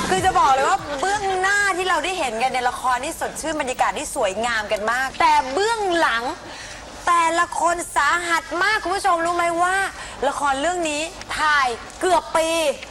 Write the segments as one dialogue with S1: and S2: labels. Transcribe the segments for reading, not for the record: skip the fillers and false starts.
S1: คือจะบอกเลยว่าเบื้องหน้าที่เราได้เห็นกันในละครนี่สดชื่นบรรยากาศที่สวยงามกันมาก แต่เบื้องหลังแต่ละคนสาหัสมากคุณผู้ชมรู้ไหมว่า ละครเรื่องนี้ถ่ายเกือบปี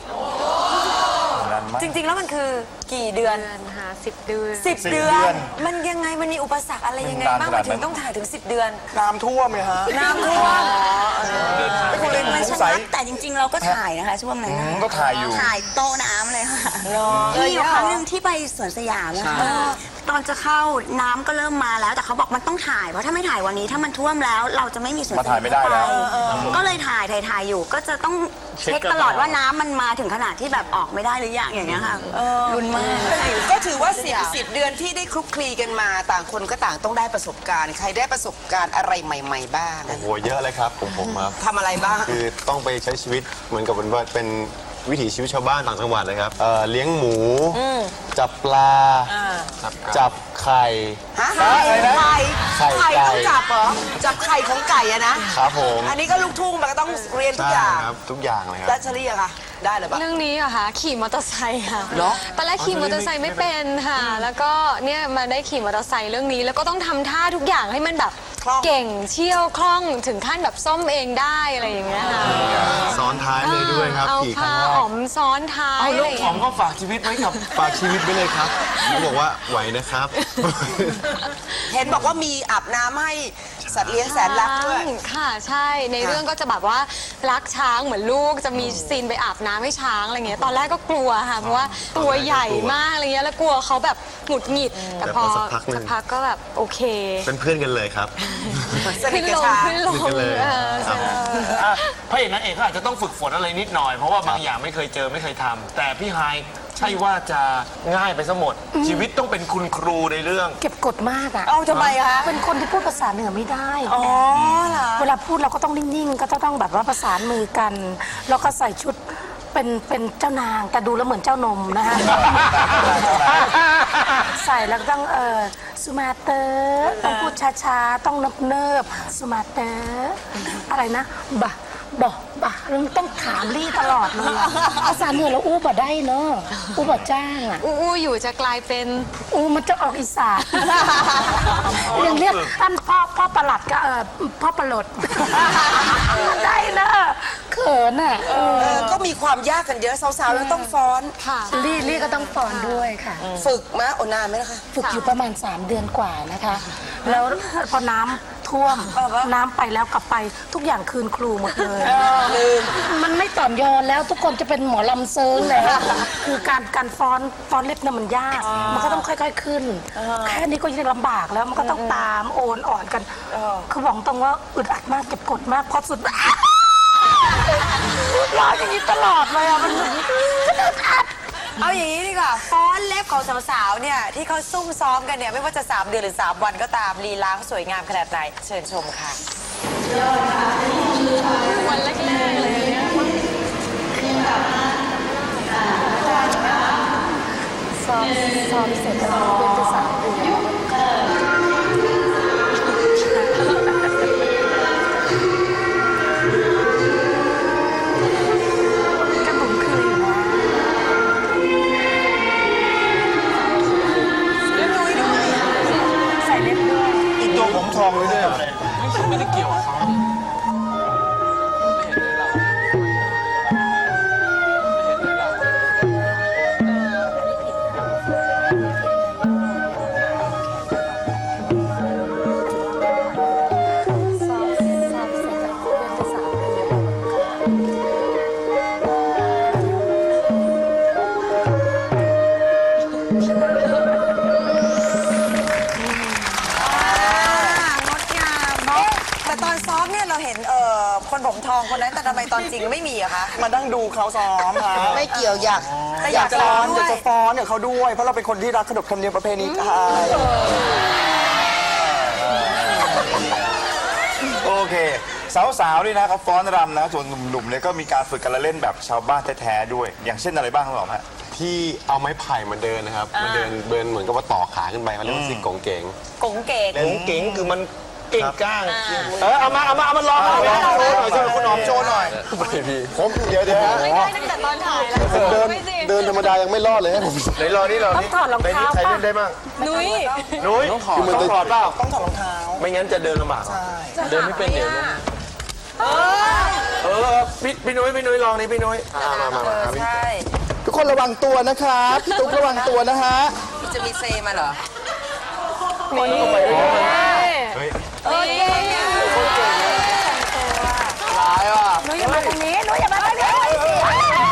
S1: จริงๆแล้วมันคือกี่เดือน
S2: ค่ะ10 เดือน
S1: 10 เดือน มันยังไงมันมีอุปสรรคอะไรยังไงบ้างมันถึงต้องถ่ายถึง10 เดือน
S3: น้ำท่วมไหมฮะ
S1: น้ำท่วม
S3: คุณเล่นไม่ใช่
S4: แต่จริงๆเราก็ถ่ายนะคะช่วงนั้น
S3: ก็ถ่ายอยู่
S4: ถ่ายโต๊ะน้ำเลยค่ะมีอยู่ครั้งหนึ่งที่ไปสวนสยามนะคะตอนจะเข้าน้ำก็เริ่มมาแล้วแต่เขาบอกมันต้องถ่ายเพราะถ้าไม่ถ่ายวันนี้ถ้ามันท่วมแล้วเราจะไม่มีสวนสยาม
S3: มาถ่ายไม่ได้แล้ว
S4: ก็เลยถ่ายอยู่ก็จะต้องเช็คตลอดว่าน้ำมันมาถึงขนาดที่แบบออกไม่ได้หรือยังอย่างเงี้ยค่ะรุนมาก
S5: ก็ถือว่า10 เดือนที่ได้คลุกคลีกันมาต่างคนก็ต่างต้องได้ประสบการณ์ใครได้ประสบการณ์อะไรใหม่ๆบ้าง
S6: โอ้โหเยอะเลยครับผมครับ
S5: ทำอะไรบ้าง
S6: คือต้องไปใช้ชีวิตเหมือนกับเป็นวิถีชีวิตชาวบ้านต่างจังหวัดเลยครับเลี้ยงหมูจับปลาจับไข่
S5: ไข่
S6: ต้อง
S5: จับเหรอจับไข่ของไก่อะนะครับ
S6: ผม
S5: อันนี้ก็ลูกทุ่งมันก็ต้องเรียนทุกอย่าง
S6: ครับทุกอย่างเลยครับ
S5: แล้วเฉลี่ยค่ะได้หรือเปล่า
S2: เรื่องนี้อะค่ะขี่มอเตอร์ไซค์ค่ะ
S5: เหรอ
S2: ตอนแรกขี่มอเตอร์ไซค์ไม่เป็นค่ะแล้วก็เนี่ยมาได้ขี่มอเตอร์ไซค์เรื่องนี้แล้วก็ต้องทำท่าทุกอย่างให้มันแบบเก่งเชี่ยวคล่องถึงขั้นแบบซ่อมเองได้อะไรอย่างเงี้ยค่ะ
S6: ซ้อนท้ายเลยด้วยครับ
S2: เอาผ้าอ๋อมซ้อนท้าย
S3: ลูกอ๋อมก็ฝากชีวิตไว้กับ
S6: ฝากชีวิตไว้เลยครับเขาบอกว่าไหวนะครับ
S5: เห็นบอกว่ามีอาบน้ำให้สัตว์เลี้ยงแสนรักด้วย
S2: ค่ะใช่ในเรื่องก็จะแบบว่ารักช้างเหมือนลูกจะมีซีนไปอาบน้ำให้ช้างอะไรเงี้ยตอนแรกก็กลัวค่ะเพราะว่าตัวใหญ่มากอะไรเงี้ยแล้วกลัวเขาแบบหงุดหงิดแต่พอสักพักก็แบบโอเค
S6: เป็นเพื่อนกันเลยครับ
S2: ขึ้นลง
S3: พระเอกนางเอกเขาอาจจะต้องฝึกฝนอะไรนิดหน่อยเพราะว่าบางอย่างไม่เคยเจอไม่เคยทำแต่พี่ไฮใช่ว่าจะง่ายไปซะหมดชีวิตต้องเป็นคุณครูในเรื่อง
S7: เก็บกดมากอ่ะ
S1: เอาทำไมคะ
S7: เป็นคนที่พูดภาษาเหนือไม่ได้
S1: อ๋อเหรอ
S7: เวลาพูดเราก็ต้องนิ่งๆก็ต้องแบบว่าประสานมือกันแล้วก็ใส่ชุดเป็นเจ้านางแต่ดูแล้วเหมือนเจ้านมนะฮะใส่แล้วก็ต้องสุมาเตอร์ต้องพูดช้าๆต้องเนิบๆสุมาเตอร์อะไรนะบ่เราต้องถามลี่ตลอดเลยภาษาเหนือเราอู้บ่ได้เนาะอู้บ่จ้างอ่ะ
S2: อู้อยู่จะกลายเป็น
S7: อู้มันจะออกอีสานอย่างเรียกท่านพ่อประหลัดก็พ่อประหลดได้เนอะเขินอ่ะ
S5: ก็มีความยากกันเยอะสาวๆแล้วต้องฟ้อน
S2: ค่ะ
S7: ลี่ก็ต้องฟ้อนด้วยค่ะ
S5: ฝึกมาโอนานไหมนะคะ
S7: ฝึกอยู่ประมาณ3 เดือนกว่านะคะแล้วพอน้ำท่วมน้ำไปแล้วกลับไปทุกอย่างคืนครูหมดเลยมันไม่ต่อนยอนแล้วทุกคนจะเป็นหมอลำเซิงแล้วคือการฟ้อนเล็บเนี่ยมันยากมันก็ต้องค่อยๆขึ้นแค่นี้ก็ยังลำบากแล้วมันก็ต้องตามโอนอ่อนกันคือบอกตรงว่าอึดอัดมากเก็บกดมากพอสุดรออย่างนี้ตลอดเลยอ่ะมันอึดอัด
S1: เอาอย่างนี้ดีกว่าฟ้อนเล็บของสาวๆเนี่ยที่เขาซุ่มซ้อมกันเนี่ยไม่ว่าจะ3 เดือนหรือ3 วันก็ตามลีลาเขาสวยงามขนาดไหนเชิญชมค่ะ
S2: วันแรกๆเลย
S7: ซ้อมเสร็จแล้วเป็นจะ3 เดือน
S3: ผมทองเลยด้วยไม่ได้เกี่ยวกับเขา
S1: คนผมทองคนนั้นแต่ทำไมตอนจริงไม่มีอะคะ
S3: มานั่งดูเขาซ้อมค่ะ
S5: ไม่เกี่ยวอยาก
S3: จะฟ้อนกับเขาด้วยเพราะเราเป็นคนที่รักขนบธรรมเนียมประเพณีไทยโอเคสาวๆนี่นะเขาฟ้อนรำนะส่วนหนุ่มๆเนี่ยก็มีการฝึกการเล่นแบบชาวบ้านแท้ๆด้วยอย่างเช่นอะไรบ้างครับผมฮะ
S6: ที่เอาไม้ไผ่มาเดินนะครับมาเดินเหมือนกับว่าต่อขาขึ้นไปเขาเรียกว่าซิกกงเก๋ง
S1: กงเก๋ง
S3: คือมันกิ่งก้างเอามาลอง
S6: โชว์หน่อยช่วยคุณหอมโชว์หน่อยผมเดี๋ยว
S2: ไม่ได้ตั้งแต่ตอนถ่ายแล้ว
S6: เดินธรรมดายังไม่รอดเลยให้ผม
S3: ไหนรอนี่
S7: ต้องถอดรอง
S3: ใน
S7: เท้า
S3: นี้ใคร
S7: ป่ะ
S3: เล่นได้บ้าง
S2: นุ้ย
S3: นุ้ยต้องถอดเปล่า
S5: ต้องถอดรองเท้า
S3: ไม่งั้นจะเดินลำบากเดินไม่เป็นเดี๋ยวล้มพี่นุ้ยลองนี่พี่นุ้ย
S6: มา
S1: ใช่
S8: ทุกคนระวังตัวนะครับพี่ตุ๊กระวังตัวนะฮะ
S5: จะมีเซมาเหรอ
S2: นี่
S7: หนูอย่ามาตรงนี้หนูอย่ามาตรงนี้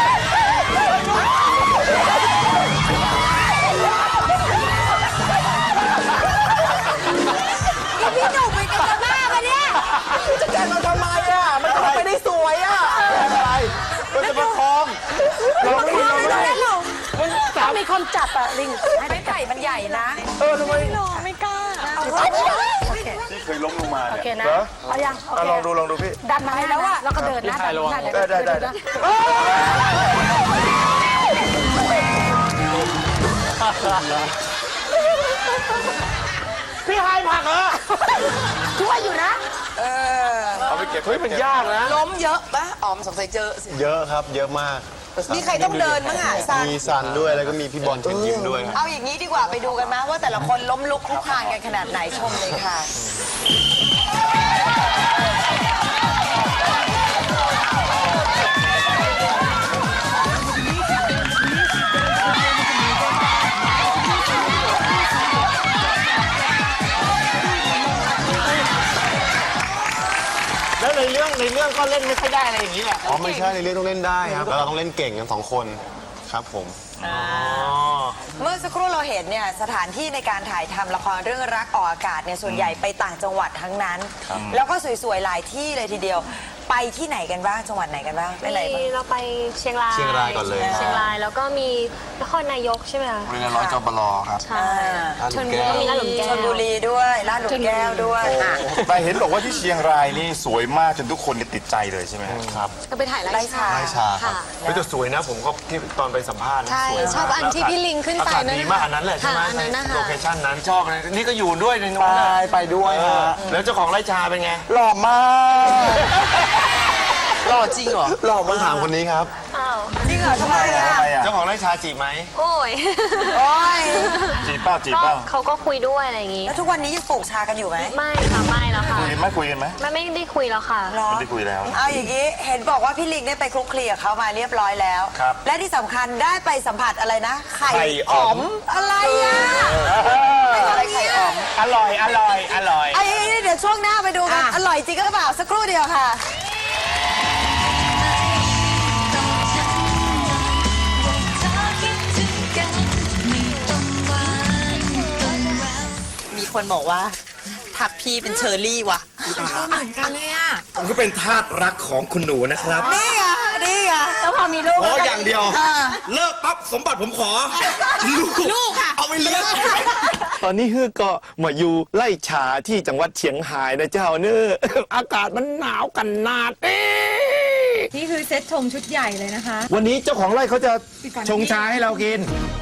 S1: พี่หนุ่มไปกับบ้ามาเนี่ย
S8: จะแกล้งเราทำไมอ่ะ มันไม่ได้สวยอ่ะ
S6: อะไรก็จะประคอง
S7: ต้องมีคนจับอะลิง
S1: ไม่ไผ่มันใหญ่นะ
S2: ไม่กล้า
S6: ที่เคยล้มลงมา
S7: โอ
S6: เนี่ย
S7: เคนะเอายังโอเค
S6: ลองดูพี่
S7: ดันมาให้แล้วอะแล้วก็เดินนะดันมา
S6: ได้
S3: พี่ไฮผักเหรอ
S7: ช่วยอยู่นะ
S6: เอาไปเก็บ
S3: เฮ้ยมันยากนะ
S5: ล้มเยอะปะอ๋อมสงสัยเจอสิ
S6: เยอะครับเยอะมาก
S5: มีใครต้องเดินบ้างอ่ะซัน
S6: มีซันด้วยแล้วก็มีพี่บอลเชิญยิ้มด้วยครับ
S1: เอาอย่างนี้ดีกว่าไปดูกันมาว่าแต่ละคนล้มลุกคลุกคลานกันขนาดไหนชมเลยค่ะ
S3: แล้วในเรื่องก็เล่นไม่ค่อยได้อะไรอย่างนี้แหละ
S6: อ๋อไม่ใช่ในเรื่องต้องเล่นได้ครับแล้วเราต้องเล่นเก่งกัน2 คนครับผม
S1: เมื่อสักครู่เราเห็นเนี่ยสถานที่ในการถ่ายทำละครเรื่องรักออกอากาศเนี่ยส่วนใหญ่ไปต่างจังหวัดทั้งนั้น แล้วก็สวยๆหลายที่เลยทีเดียว ไปที่ไหนกันบ้างจังหวัดไหนกันบ้างไปไหนบ้าง
S2: เราไปเชียงราย
S6: เชียงรายก่อนเลย
S2: เชียงรายแล้วก็มีนครนายกใช่ไหมคะ
S6: โรงเรียนร้อยจบลครับ
S2: ใช่
S6: ชลบุรี
S2: มีลาดหลุมแก้ว
S1: ชลบุรีด้วยลาดหลุมแก้วด้วยอ่ะ
S9: แต่เห็นบอกว่าที่เชียงรายนี่สวยมากจนทุกคนติดใจเลยใช่ไหมครับ
S2: ก็ไปถ่ายไร่ชา
S6: ไร่ชาครับ
S2: ค่ะ
S3: เฮ้ยแต่สวยนะผมก็ที่ตอนไปสัมภาษณ์นะ
S2: ใช่
S3: สวยมาก
S2: ชอบอันที่พี่ลิงขึ้นไป
S3: อากาศ
S2: นั่น
S3: ดี
S2: นะคะ
S3: มากอันนั้นแหละใช่ไหม
S2: ค่ะอันนั้นนะคะ
S3: โลเคชั่นนั้นชอบเลยนี่ก็อยู่ด้วยในนู้น
S8: ไป
S3: นะ
S8: ไปด้วย
S3: เออ
S8: ฮะ
S3: แล้วเจ้าของไร่ชาเป็นไง
S8: หล่อมาก
S5: หล่อจริงเหรอ
S8: หล่อ
S6: ต้อง
S8: มาก
S6: ถามคนนี้ครับ
S2: อ้าว
S1: จริงเหรอทำไมอ่ะ
S9: ทำไมอ่ะ
S3: เจ้าของไร่ชาจีบไหม
S2: โอ้ย
S1: โอ้ย
S9: จีบเป้าจีบ
S2: ก็
S9: เป้า
S2: เขาก็คุยด้วยอะไรอย่างงี้
S1: แล้วทุกวันนี้ยังปลูกชากันอยู่ไหม
S2: ไม่ค่ะไม่แล้วค่ะ
S9: คุยกันไหม
S2: ไม่ได้คุยแล้วค่ะ
S1: หรอ
S9: ไม่ได้คุยแล้ว
S1: เอาอย่างนี้เห็นบอกว่าพี่ลิงเนี่ยไปคลุกคลีกับเขามาเรียบร้อยแล้ว
S3: ครับ
S1: และที่สำคัญได้ไปสัมผัสอะไรนะ ไข่
S3: ไข่อ๋อม
S1: อะไรอ่ะ
S5: อะไรไข่อ่อม
S3: อร่อย
S1: ไอ้เดี๋ยวช่วงหน้าไปดูกัน อร่อยจริงก็เปล่าสักครู่เดียวค่ะ
S5: มีคนบอกว่าทักพี่เป็นเชอร์รี่ว่ะ
S9: ผมก็เป็นทาสรักของคุณหนูนะครับ
S1: นี่ไงนี่ไง
S7: แล้วพอมีลูก
S9: ขออย่างเดียว เลิกปั๊บสมบัติผมขอ ลูกค่ะ เอาไปเลี้ยง
S10: ตอนนี้ฮือก็มาอยู่ไล่ชาที่จังหวัดเชียงรายนะเจ้าเนอ อากาศมันหนาวกันนาด
S11: นี่คือเซตชงชุดใหญ่เลยนะคะ
S10: วันนี้เจ้าของไร่เขาจะชงชาให้เรากิน